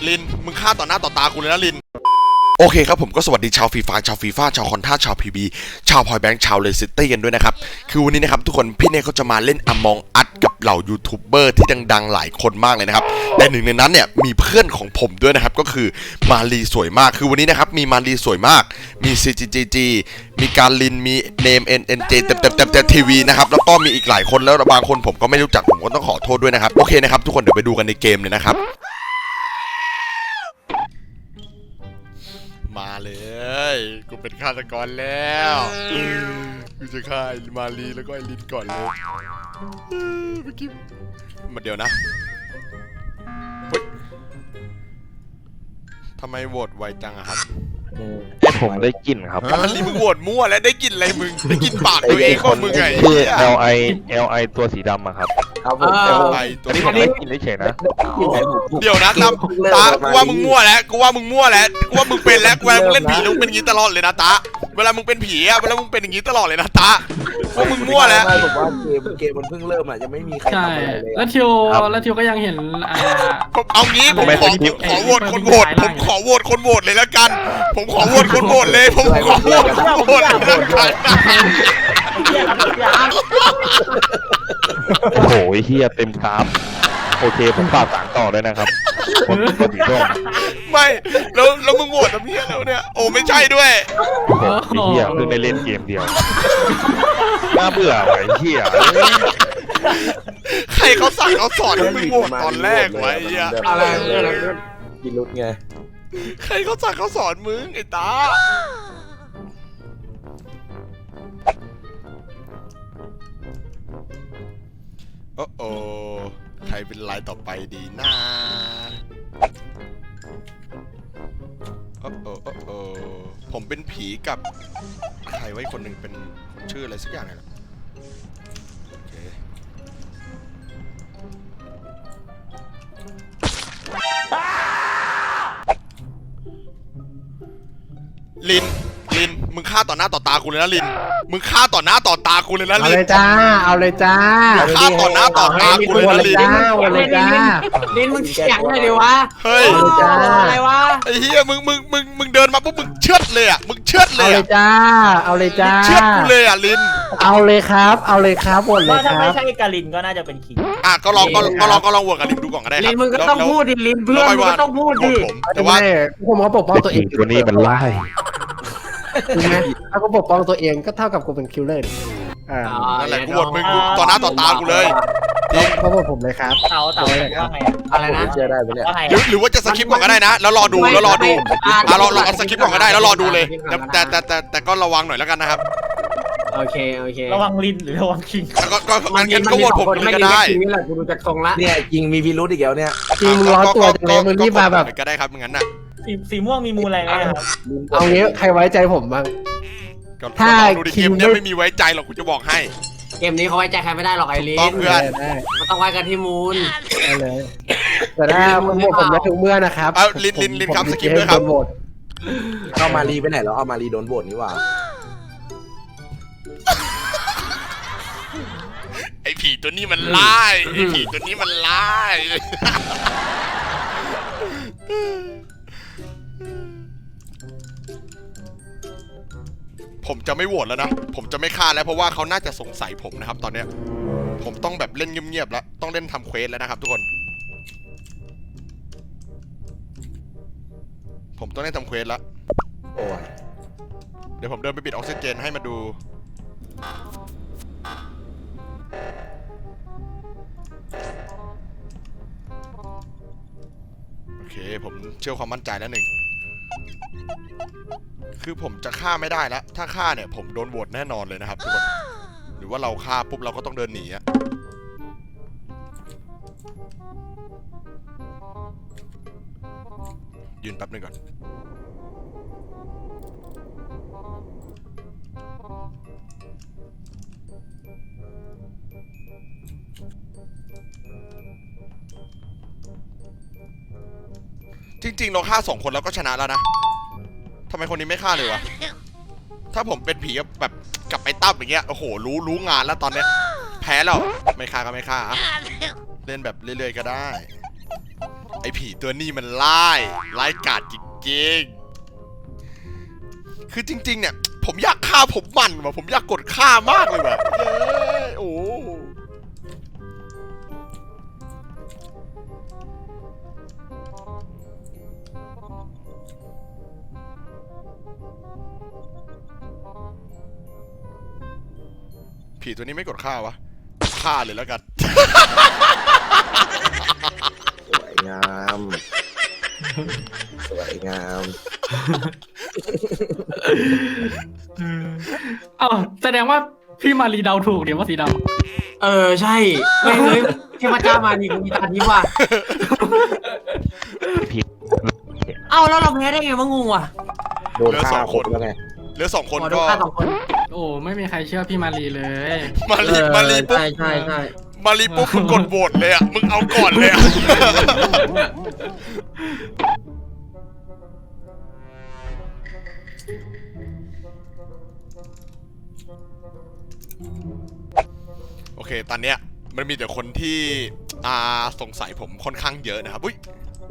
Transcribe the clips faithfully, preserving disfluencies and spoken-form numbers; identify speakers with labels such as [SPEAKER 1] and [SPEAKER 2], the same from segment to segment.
[SPEAKER 1] ลินมึงฆ่าต่อหน้าต่อตากูเลยนะลินโอเคครับผมก็สวัสดีชาวฟีฟ่าชาวฟีฟ่าชาวคอนท่าชาวพีบีชาวพอยแบงค์ชาวเลสซิตี้กันด้วยนะครับคือวันนี้นะครับทุกคนพี่เน่เขาจะมาเล่นอมองอัดกับเหล่ายูทูบเบอร์ที่ดังๆหลายคนมากเลยนะครับแต่หนึ่งในนั้นเนี่ยมีเพื่อนของผมด้วยนะครับก็คือมาลีสวยมากคือวันนี้นะครับมีมาลีสวยมากมี ซี จี จี จี มีการลินมีเนม เอ็น เอ็น เจ เต็มเต็มเต็มเต็มทีวีนะครับแล้วก็มีอีกหลายคนแล้วบางคนผมก็ไม่รู้จักผมก็ต้องขอโทษด้วยนะครับโอเคนะครับทุกคนเดี๋ยวไปดูกันในเกมเลยนะครับมาเลยกูเป็นฆาตกรแล้วกูจะฆ่าไอ้มาลีแล้วก็ไอ้ลินก่อนเลยเมื่อกี้มาเดี๋ยวนะเฮ้ยทำไมโหวตไวจังอะครับ
[SPEAKER 2] ให้ผมได้กลิ่นครับ
[SPEAKER 1] มาลีมึงโหวตมั่วแล้วได้กลิ่นอะไรมึงได้กลิ่นปากตัวเองว่ามึงไง
[SPEAKER 2] คือ แอล ไอ แอล ไอ ตัวสีดำอะครับ
[SPEAKER 3] ครับผม
[SPEAKER 1] แอล ไอ ตัว
[SPEAKER 2] อันนี้ผมได้กลิ่นเฉยๆนะ
[SPEAKER 1] เดี๋ยวนะตาตากูว่ามึงมั่วแล้วกูว่ามึงมั่วแล้วกูว่ามึงเป็นแล้วเวลามึงเล่นผีมึงเป็นอย่างนี้ตลอดเลยนะตาเวลามึงเป็นผีอะเวลามึงเป็นอย่างนี้ตลอดเลยนะตาว่ามึงมั่วแล้ว
[SPEAKER 3] ไม่ผมว่าเกมเกมมันเพิ่งเริ่มอ่ะยังไม่มีใคร
[SPEAKER 4] ใช่
[SPEAKER 3] ทำอะไรเลย
[SPEAKER 4] แล้วทิวแล้วทิวก็ยังเห็นอ่า
[SPEAKER 1] ผมเอางี้ผมขอผมขอโหวตคนโหวตผมขอโหวตคนโหวตเลยแล้วกันผมขอโหวตคนโหวตเลยผมขอโหวตคนโหวตเลยแล้วกัน
[SPEAKER 2] โอ้โหเฮียเต็มกราฟโอเคผมฝากสารต่อเลยนะครับคนคนสีส้ม
[SPEAKER 1] ไม่แล้วแล้วมึงโหวตทำเพี้ยแล้วเนี่ยโอ้ไม่ใช่ด้วย
[SPEAKER 2] โอ้โหเฮียเพิ่งได้เล่นเกมเดียวน่าเบื่อว่ะเฮีย
[SPEAKER 1] ใครเขาสั่งเขาสอนให้มึงโหวตตอนแรกวะไอ้เหี้ย
[SPEAKER 3] อะไรอะไรกินรุดไง
[SPEAKER 1] ใครเขาสั่งเขาสอนมึงไอ้ตาโอ้โอใครเป็นลายต่อไปดีนะโอ้โอโอ้โอผมเป็นผีกับใครไว้คนหนึ่งเป็นคนชื่ออะไรสักอย่างไงล่ะโอเคลินลินมึงฆ่าต่อหน้าต่อตากูเลยนะลินมึงฆ่าต่อหน้าต่อตากูเลยนะ
[SPEAKER 5] เอา
[SPEAKER 1] ลิน
[SPEAKER 5] เลยจ้าเอาเลยจ้า
[SPEAKER 1] ฆ่าต่อหน้าต่อตากูเลยนะลิน
[SPEAKER 5] เอาเลยจ้า
[SPEAKER 4] ลิ้นมึงเสียงเลยดิวะ
[SPEAKER 1] เฮ้ย
[SPEAKER 4] อะไรวะ
[SPEAKER 1] ไอ้เหี้ยมึงมึงมึงมึงเดินมาปุ๊บมึงเชือดเลยอ่ะมึงเชือดเล
[SPEAKER 5] เอา
[SPEAKER 1] ย
[SPEAKER 5] เล
[SPEAKER 1] อ่ะ
[SPEAKER 5] ยจ้าเอาเลยจ้า
[SPEAKER 1] เชือดกูเลยอ่ะลิน
[SPEAKER 5] เอาเลยครับ เอาเลยครับหมดเลย
[SPEAKER 6] ว่า
[SPEAKER 5] ค
[SPEAKER 6] ถ้า
[SPEAKER 5] รั
[SPEAKER 6] ไม่
[SPEAKER 5] บ
[SPEAKER 6] ใช่กาลินก็น่าจะเป็นคิง
[SPEAKER 1] อ่ะก็ลองก็ก็ลองก็ลองโหวตกับลินดูก่อนก็ได้ครับ
[SPEAKER 4] ลิ้นมึงก็ต้องพูดดิลิ้นเพื่อนมึงก็ต้องพูดดิ
[SPEAKER 1] ผมแต่
[SPEAKER 5] แต่
[SPEAKER 1] ว่า
[SPEAKER 5] ว่าผมก็ปกป้องตัวเอง
[SPEAKER 2] ตัวนี้มันไล่
[SPEAKER 5] ถูกไหมถ้ากูปกป้องตัวเองก็เท่ากับกูเป็นคิลเลอร์อ่า
[SPEAKER 1] นั่นแหละกูโหวตมึงกูต่อหน้าต่อตากูเลยจริง
[SPEAKER 5] เขาบอกผมเลยครับ
[SPEAKER 6] เต๋าเต๋าว่าไง
[SPEAKER 4] อะไรนะ
[SPEAKER 3] เชื่อได้ไหมเนี่ย
[SPEAKER 6] ว่าไง
[SPEAKER 1] หรือหรือว่าจะสคิปก่อนก็ได้นะ แล้วรอดูแล้วรอดูอ่ะรอรอสคิปก่อนก็ได้แล้วรอดูเลยแต่แต่แต่แต่ก็ระวังหน่อยแล้วกันนะครับ
[SPEAKER 4] โอเคโอเค
[SPEAKER 6] ระวังลินหรือระวังคิง
[SPEAKER 1] ก็ก็งั้นงั้นก็โหวตผมเลยก็ได้
[SPEAKER 4] นี่แหละกูดูจากทรงละ
[SPEAKER 3] เนี่ยจริงมีพิรุธอีกแล้วเนี่ย
[SPEAKER 5] จริงมึงร้อนตัวจังเลยมึงรีบมาแบบ
[SPEAKER 1] ก็ได้ครับงั้นน่ะ
[SPEAKER 6] สีสีม่วงมีมูลอะไรไหมครับ
[SPEAKER 5] เอางี้ใครไว้ใจผมบ้าง
[SPEAKER 1] ก็
[SPEAKER 5] ถ้า
[SPEAKER 1] ดูดิเกมเนี้ยไม่มีไว้ใจหรอกกูจะบอกให้
[SPEAKER 4] เกมนี้เขาไว้ใจใครไม่ได้หรอกไอ้ลิ้
[SPEAKER 1] ต้อง
[SPEAKER 4] น
[SPEAKER 1] เพื่อน
[SPEAKER 5] ได้
[SPEAKER 4] มันต้องไว้กันที่มูล
[SPEAKER 5] ได้เลยแต่ถ้าผมโหวตผมจะถึงเมื่อนะครับ
[SPEAKER 1] เอาลินลินลินครับสกิปด้วยครับ
[SPEAKER 5] โหวต
[SPEAKER 3] เอามารีไปไหนแล้วเอามารีโดนโหวตนี่หว่า
[SPEAKER 1] ไอ้ผีตัวนี้มันไล่ไอ้ผีตัวนี้มันไล่ผมจะไม่โหวตแล้วนะผมจะไม่ฆ่าแล้วเพราะว่าเขาน่าจะสงสัยผมนะครับตอนเนี้ยผมต้องแบบเล่นเงียบๆแล้วต้องเล่นทำเควสแล้วนะครับทุกคนผมต้องเล่นทำเควสแล้ว
[SPEAKER 3] โอ้ย
[SPEAKER 1] เดี๋ยวผมเดินไปปิดออกซิเจนให้มาดูโอเคผมเชื่อความมั่นใจแล้วหนึ่งคือผมจะฆ่าไม่ได้แล้ว ถ้าฆ่าเนี่ยผมโดนโหวตแน่นอนเลยนะครับทุกคนหรือว่าเราฆ่าปุ๊บเราก็ต้องเดินหนีอะยืนแป๊บนึงก่อนจริงๆเราฆ่าสองคนแล้วก็ชนะแล้วนะทำไมคนนี้ไม่ฆ่าเลยวะถ้าผมเป็นผีแบบกับไอ้ตั้มอย่างเงี้ยโอ้โหรู้รู้งานแล้วตอนเนี้ยแพ้แล้วไม่ฆ่าก็ไม่ฆ่าเล่นแบบเรื่อยๆก็ได้ไอ้ผีตัวนี้มันไล่ไล่กาดจริงๆคือจริงๆเนี่ยผมอยากฆ่าผมมันว่ะผมอยากกดฆ่ามากเลยว่ะเย้โอ้ผีตัวนี้ไม่กดฆ่าวะฆ่าเลยแล้วกัน
[SPEAKER 3] สวยงาม สวยงาม
[SPEAKER 7] อ้าวแสดงว่าพี่มารีเดาถูกเดี๋ยวว่าสีด
[SPEAKER 4] เออใช่ไม่เฮ้ยเทพเจ้ามานี่กูมีตาทิพย์ว่ะ
[SPEAKER 2] ผิด
[SPEAKER 4] เอ้าแล้วเราแพ้ได้ไงวะงงว่ะ
[SPEAKER 3] โดนฆ่าคนแล้วไง
[SPEAKER 1] เหลือสองคน
[SPEAKER 4] ขอดู
[SPEAKER 1] ก็
[SPEAKER 4] ค่าสองคน
[SPEAKER 7] ำโอ้ไม่มีใครเชื่อพี่มารีเลย
[SPEAKER 1] มารีมารีปุ๊บ
[SPEAKER 4] ใช่ใช่ใช่
[SPEAKER 1] มารีปุ๊บมึงกดโหวตเลยอ่ะมึงเอาก่อนเลยอ่ะ โอเค ตอนเนี้ยมันมีแต่คนที่อ่าสงสัยผมค่อนข้างเยอะนะครับ อุ้ย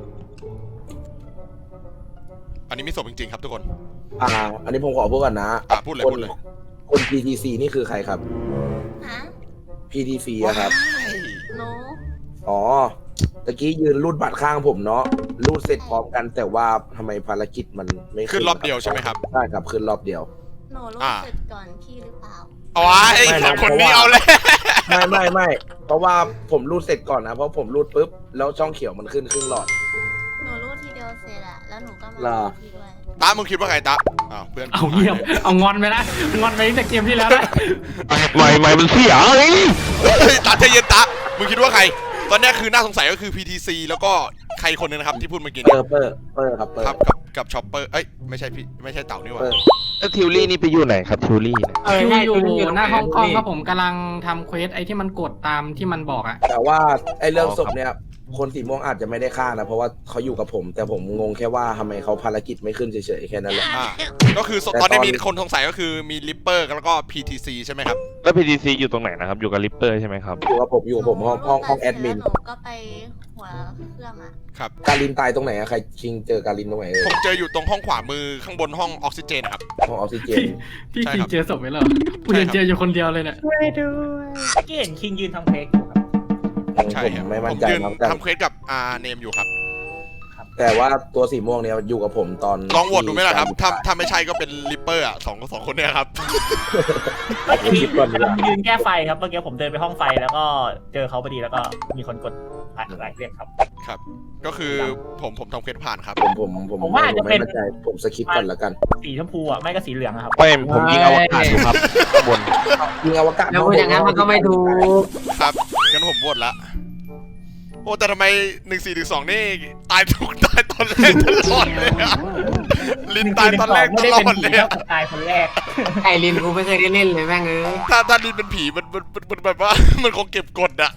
[SPEAKER 1] อันนี้มีศพจริงๆครับทุกคน
[SPEAKER 3] อ่า อันนี้ผมขอพูดก่อนนะ
[SPEAKER 1] อ่าพูดเลย
[SPEAKER 3] คน
[SPEAKER 1] พูดเลย
[SPEAKER 3] คน พี ที ซี นี่คือใครครับ
[SPEAKER 8] ฮะ
[SPEAKER 3] พี ที ซี อะครับ
[SPEAKER 8] หนู
[SPEAKER 3] อ๋อ ตะกี้ยืนรูดบัตรข้างผมเนาะ รูดเสร็จพร้อมกัน แต่ว่าทำไมภารกิจมันไม่
[SPEAKER 1] ขึ้นรอบเดียวใช่ไหมครับ
[SPEAKER 3] ใช่ครับ ขึ้นรอบเดียว
[SPEAKER 8] หนูรู้
[SPEAKER 1] อ่า
[SPEAKER 8] สึกก่อนพี่หรือเปล่า
[SPEAKER 1] เอาไว้สองคนนี้เอาเลย
[SPEAKER 3] ไม่ไม่ไม่ เพราะว่าผมรูดเสร็จก่อนนะ เพราะผมรูดปุ๊บ แล้วช่องเขียวมันขึ้นครึ่งหลอด
[SPEAKER 8] หนูรู้ทีเดียวเสร็จอะแล้วหนูก็มา
[SPEAKER 3] เหรอ
[SPEAKER 8] รู้พี่ด้วย
[SPEAKER 1] ตามึงคิดว่าไงตาอ้าวเพื่อน
[SPEAKER 7] เอาเงียบเอางอนไปนะงอนไปตั้งแต่เกมที่แล้วนะ
[SPEAKER 2] ไม่ไม่มันเสียเฮ้ย
[SPEAKER 1] เฮ้ยตาใจเย็นตามึงคิดว่าใคร ตอนเนี้ยคือน่าสงสัยก็คือ พี ที ซี แล้วก็ใครคนนึงนะครับที่พูดเมื่อกี้
[SPEAKER 3] เป
[SPEAKER 1] เนี่
[SPEAKER 3] อย ร์เปอร์เปอร์ครับเปอร์
[SPEAKER 1] ครับกับกับช็อปเปอร์ เอ้ยไม่ใช่พี่ไม่ใช่เต่านี่หว่า
[SPEAKER 3] เออ
[SPEAKER 2] แล้วทิวลี่นี่ไปอยู่ไหนครับทิวลี่เนี่ย
[SPEAKER 4] เออ
[SPEAKER 7] คิว
[SPEAKER 4] ใช่
[SPEAKER 7] อยู่
[SPEAKER 4] ตรง
[SPEAKER 7] หน้าห้องกล้อง
[SPEAKER 4] นี่
[SPEAKER 7] ครับผมกำลังทำเควสไอ้ที่มันกดตามที่มันบอกอะ
[SPEAKER 3] แต่ว่าไอ้เรื่องศพเนี่ย คนสีม่วงอาจจะไม่ได้ฆ่านะ เพราะว่าเขาอยู่กับผม แต่ผมงงแค่ว่าทำไมเขาภารกิจไม่ขึ้นเฉยๆแค่นั้นแหละ
[SPEAKER 1] อ่าก็คือ
[SPEAKER 3] แต่
[SPEAKER 1] ตอนนี้
[SPEAKER 3] ตอน
[SPEAKER 1] มีคนสงสัยก็คือมีลิปเปอร์แล้วก็ พี ที ซี ใช่ไหมครับ
[SPEAKER 2] แล้ว พี ที ซี อยู่ตรงไหนนะครับ อยู่กับลิปเปอร์ใช่ไหมครับ
[SPEAKER 3] อยู่กับผมอยู่กับผมห้องห้องห้องแอดมิน
[SPEAKER 8] หนูก็ไปหัวเครื่องอะ
[SPEAKER 1] ครับ
[SPEAKER 3] การินตายตรงไหนอะใครชิงเจอการินตรงไหนเอ่ย
[SPEAKER 1] ผมเจออยู่ตรงห้องขวามือข้างบนห้องออกซิเจนครับ
[SPEAKER 3] ห้องออกซิเจน
[SPEAKER 7] พี่
[SPEAKER 1] ใช่
[SPEAKER 7] คิ
[SPEAKER 1] ค
[SPEAKER 7] ง
[SPEAKER 1] รับ
[SPEAKER 7] เจอศพไหมเหรอกูยังเจออยู่คนเดียวเลยเนี่ย
[SPEAKER 6] เมื่อกี้เห็นคิงยืนทำเพลงอยู่ครับ
[SPEAKER 1] ใช่ครับ
[SPEAKER 3] ผมไม่มั่
[SPEAKER 1] ผ
[SPEAKER 3] น
[SPEAKER 1] ม
[SPEAKER 3] ใจ
[SPEAKER 1] ยืน
[SPEAKER 3] ครับแต่
[SPEAKER 1] ทำเควสกับอ่าเนมอยู่ครับ
[SPEAKER 3] แต่ว่าตัวสีม่วงเนี่ยอยู่กับผมตอน
[SPEAKER 1] ลองโหวตดูไหมล่ะครับ
[SPEAKER 3] ที่
[SPEAKER 1] ถ้าถ้าไม่ใช่ก็เป็นลิปเปอร์อ่ะสองสองคนเนี่ยครับ
[SPEAKER 6] เมื่อกี้
[SPEAKER 3] คิดก่อนดีกว่า
[SPEAKER 6] ยืนแก้ไฟครับเมื่อกี้ผมเดินไปห้องไฟแล้วก็เจอเขาพอดีแล้วก็มีคนกดหลายเรียกครับ
[SPEAKER 1] ครับ ก็คือผมผมทำเควสผ่านครับ
[SPEAKER 3] ผมผมผม
[SPEAKER 6] ผมว่าอาจจะเป็น
[SPEAKER 3] ไม่มั่นใจผมสคิปก่อนแล้วกัน
[SPEAKER 6] สีชมพูอ่ะไม่ก็สีเหลืองอะครับ
[SPEAKER 2] ไม่ผมยิงอวกาศอยู่ครับข้างบน
[SPEAKER 3] ยิงอวกาศ
[SPEAKER 4] แล้วพูดอย่างนั้นมันก็ไม่ถูก
[SPEAKER 1] ครับงั้นผมโหวตละโอ้แต่ทำไมหนึ่งสี่หนึ่งสองนี่ตายทุกตายตอนแรกตลอดเลยอะลินตายตอนแรกต
[SPEAKER 6] ไม่ได้
[SPEAKER 1] ลอ
[SPEAKER 6] เป็น
[SPEAKER 1] ด
[SPEAKER 6] ผี
[SPEAKER 1] เลย
[SPEAKER 6] เท่า
[SPEAKER 1] อะ
[SPEAKER 6] กับตายคนแรก
[SPEAKER 4] ไอรินกูไม่เคยได้เล่นเลยแม่งเอ้ย
[SPEAKER 1] ถ้าถ้าลินเป็นผีมันมันมันมันแบบว่า มันคงเก็บกดอะ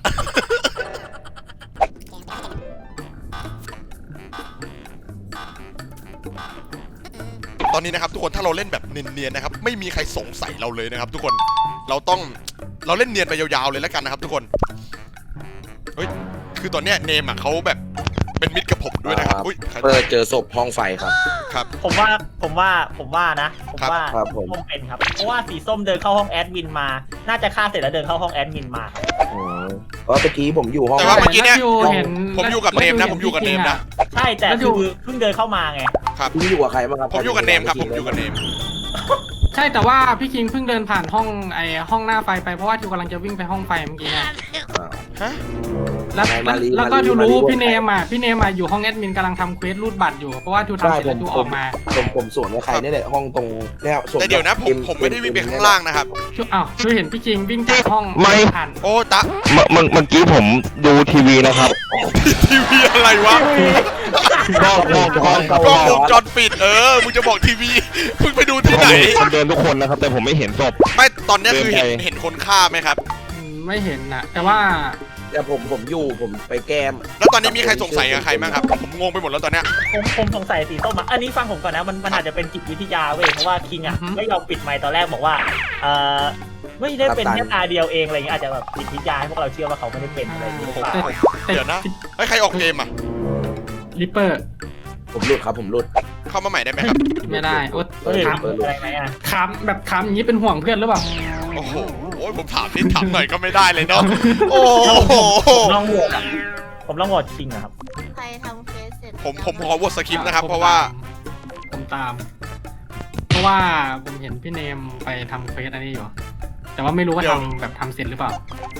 [SPEAKER 1] ตอนนี้นะครับทุกคนถ้าเราเล่นแบบเนียนๆนะครับไม่มีใครสงสัยเราเลยนะครับ ทุกคนเราต้องเราเล่นเนียนไปยาวๆเลยแล้วกันนะครับ ทุกคนเฮ้ยคือตอนเนี้ยเนมอ่ะเขาแบบเป็นมิตรกับผมด้วยนะครับอุ้ยใคร
[SPEAKER 3] เปิดเจอศพห้องไฟครับ
[SPEAKER 1] ครับ
[SPEAKER 6] ผมว่าผมว่าผมว่านะ ผม
[SPEAKER 1] ครับ
[SPEAKER 6] ว่า
[SPEAKER 3] ครับผม
[SPEAKER 6] ส้มเป็นครับ เพราะว่าสีส้มเดินเข้าห้องแอดมินมา น่าจะฆ่าเสร็จแล้วเดินเข้าห้องแอดมินมาครับ
[SPEAKER 3] อืมเพราะเมื่อกี้ผมอยู่ห้อง
[SPEAKER 1] แต่ว่าเมื่อกี้เนี่ย
[SPEAKER 7] แล้วคิวเห็น
[SPEAKER 1] ผมอยู่กับเนมนะผมอยู่กับเนมนะ
[SPEAKER 6] ใช่แต่
[SPEAKER 7] แล้วดู
[SPEAKER 6] คือเพิ่งเดินเข้ามาไง
[SPEAKER 1] ครับ
[SPEAKER 3] พี่อยู่กับใครบ้างครับ
[SPEAKER 1] ผมอยู่กับเนมครับผมอยู่กับเนม
[SPEAKER 7] ใช่แต่ว่าพี่คิงเพิ่งเดินผ่านห้องไอ้ห้องหน้าไฟไปเพราะว่าทิวกำลังจะวิ่งไปห้องไฟเมื่อกี้นะ
[SPEAKER 3] อ่า
[SPEAKER 1] ฮะ
[SPEAKER 7] แล้ว
[SPEAKER 3] ไม่
[SPEAKER 7] แล้ว
[SPEAKER 3] มารี
[SPEAKER 7] แล้วก็
[SPEAKER 3] มารี
[SPEAKER 7] ทิว
[SPEAKER 3] มารี
[SPEAKER 7] รู้
[SPEAKER 3] ร่วม
[SPEAKER 7] พี่เนมอ่ะพี่เนมอ่ะอยู่ห้องแอดมินกำลังทำเควสรูดบัตรอยู่เพราะว่าทิวทำ
[SPEAKER 3] ใช่
[SPEAKER 7] เสร็จ
[SPEAKER 3] ผ
[SPEAKER 7] แล้ว
[SPEAKER 3] ม
[SPEAKER 7] ทิว
[SPEAKER 3] ผ
[SPEAKER 7] ออ
[SPEAKER 3] ม
[SPEAKER 7] กมา
[SPEAKER 3] ผมผมสวนกับใครนี่แหละห้องตรงเนี่ยสวน
[SPEAKER 1] แต่เดี๋ยวนะผม
[SPEAKER 3] กับ
[SPEAKER 1] ผมไม่ได้วิ่งไปข้างล่างนะครับ
[SPEAKER 7] ทิวอ้าวทิวเห็นพี่คิงวิ่งจากห้อง
[SPEAKER 2] ไม่
[SPEAKER 7] ผ่าน
[SPEAKER 1] โอ้ตะ
[SPEAKER 2] เมื่อเมื่อเมื่อกี้ผมดูทีวีนะครับ
[SPEAKER 1] ทีวีอะไรวะ
[SPEAKER 2] กล้องกล้องกล้องกล้อง
[SPEAKER 1] กล้องวงจรปิดเออมึงจะบอกทีวีมึงไปดูที่ไหน
[SPEAKER 2] ผมเดินทุกคนนะครับ แต่ผมไม่เห็นศพ
[SPEAKER 1] ไม่ตอนเนี้ยคือเห็น
[SPEAKER 2] เดินไป
[SPEAKER 1] เห็นคนฆ่าไหมครับ
[SPEAKER 7] อืมไม่เห็นนะแต่ว่า
[SPEAKER 3] แต่ผมผมอยู่ผมไปแก้ม
[SPEAKER 1] แล้วตอนนี้มีใครสงสัยกับใครบ้างครับผมงงไปหมดแล้วตอนเนี้ย
[SPEAKER 6] ผมผมสงสัยสีส้มอ่ะอันนี้ฟังผมก่อนนะมันมันอาจจะเป็นจิตวิทยาเว้ยเพราะว่าคิงอ่ะไม่ยอมปิดไมค์ตอนแรกบอกว่าเอ่อไม่ได้เป็นแค่ตาเดียวเองอะไรเงี้ยอาจจะแบบจิตวิทยาให้พวกเราเชื่อว่าเขาไม่ได้เป็นอะไรอย่างเงี้ยหรือเปล่า
[SPEAKER 7] แต่แต่
[SPEAKER 1] เดี๋ยวนะเฮ้ยใครออกเกมอ่ะ
[SPEAKER 7] ริปเปอร์
[SPEAKER 3] ผมหลุดครับผมหลุด
[SPEAKER 1] เข้ามาใหม่ได้ไหมครับ
[SPEAKER 7] ไม่ได้โอ๊ต
[SPEAKER 6] เฮ้ย
[SPEAKER 7] ถาม
[SPEAKER 6] อะไรไหมอ่ะ
[SPEAKER 7] ถามแบบถามอย่างนี้เป็นห่วงเพื่อนหรือเปล่า
[SPEAKER 1] โอ้โหโอ้ยผมถามนิดถามหน่อยก็ไม่ได้เลยเนาะโอ้โห
[SPEAKER 6] ผมลองโหวตอะผมลองโหวตคิงอะครับ
[SPEAKER 8] ใครทำเฟซเสร็จ
[SPEAKER 1] ผมผมขอวอทสคริปต์นะครับเพราะว่า
[SPEAKER 7] ผมตาม เพราะว่าผมเห็นพี่เนมไปทำเฟซอันนี้อยู่ แต่ว่าไม่รู้ว่า
[SPEAKER 1] เดี๋ยว
[SPEAKER 7] ทำแบบทำเสร็จหรือเปล่า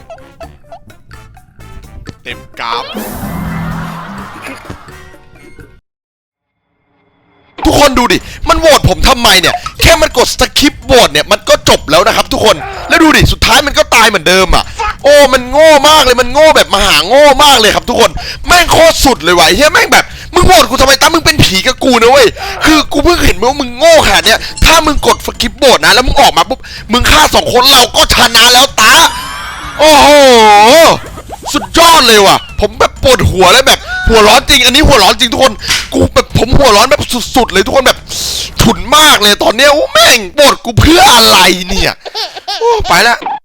[SPEAKER 1] เต็มกราฟทุกคนดูดิมันโหวตผมทำไมเนี่ยแค่มันกดสคริปต์โหวตเนี่ยมันก็จบแล้วนะครับทุกคนแล้วดูดิสุดท้ายมันก็ตายเหมือนเดิมอ่ะโอ้มันโง่มากเลยมันโง่แบบมหาโง่มากเลยครับทุกคนแม่งโคตรสุดเลยว่ะเฮียแม่งแบบมึงโหวตกูทำไมตามึงเป็นผีกับกูนะเว้ยคือกูเพิ่งเห็นว่ามึงโง่ขนาดเนี้ยถ้ามึงกดสคริปต์โหวตนะแล้วมึงออกมาปุ๊บมึงฆ่าสองคนเราก็ชนะแล้วตาโอ้โหสุดยอดเลยว่ะผมแบบปวดหัวเลยแบบหัวร้อนจริงอันนี้หัวร้อนจริงทุกคนกูแบบผมหัวร้อนแบบสุดๆเลยทุกคนแบบฉุนมากเลยตอนเนี้ยโอ้แม่งโหวตกูเพื่ออะไรเนี่ยโอ้ไปละ